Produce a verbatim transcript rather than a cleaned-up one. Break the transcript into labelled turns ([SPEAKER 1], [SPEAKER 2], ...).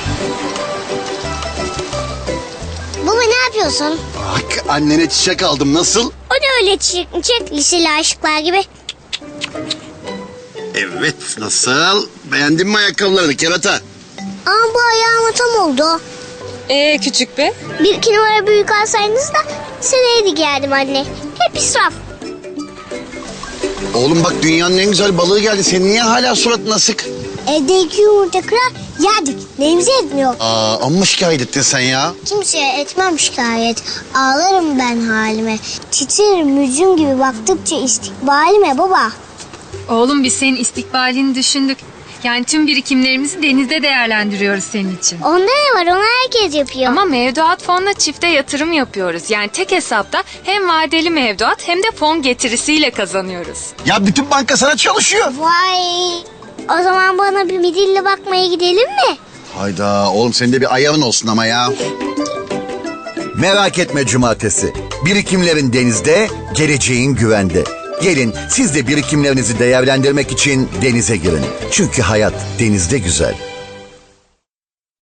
[SPEAKER 1] Baba ne yapıyorsun?
[SPEAKER 2] Bak annene çiçek aldım, nasıl?
[SPEAKER 1] O ne öyle çiçek liseli aşıklar gibi?
[SPEAKER 2] Evet, nasıl? Beğendin mi ayakkabılarını kerata?
[SPEAKER 1] Ama bu ayağıma tam oldu.
[SPEAKER 3] Ee küçük be.
[SPEAKER 1] Bir iki numara büyük alsaydınız da seneye de giyerdim anne. Hep israf.
[SPEAKER 2] Oğlum bak, dünyanın en güzel balığı geldi. Senin niye hala suratın asık?
[SPEAKER 1] Evde iki yumurta kırar yerdik. Neyimize etmiyor.
[SPEAKER 2] Aa, amma şikayet ettin sen ya.
[SPEAKER 1] Kimseye etmem şikayet. Ağlarım ben halime. Titrerim mücüm gibi baktıkça istikbalime baba.
[SPEAKER 3] Oğlum biz senin istikbalini düşündük. Yani tüm birikimlerimizi denizde değerlendiriyoruz senin için.
[SPEAKER 1] Onda ne var, onu herkes yapıyor.
[SPEAKER 3] Ama mevduat fonla çifte yatırım yapıyoruz. Yani tek hesapta hem vadeli mevduat hem de fon getirisiyle kazanıyoruz.
[SPEAKER 2] Ya bütün banka sana çalışıyor.
[SPEAKER 1] Vay. O zaman bana bir midilli bakmaya gidelim mi?
[SPEAKER 2] Hayda oğlum, senin de bir ayağın olsun ama ya.
[SPEAKER 4] Merak etme cumartesi. Birikimlerin denizde, geleceğin güvende. Gelin siz de birikimlerinizi değerlendirmek için denize girin. Çünkü hayat denizde güzel.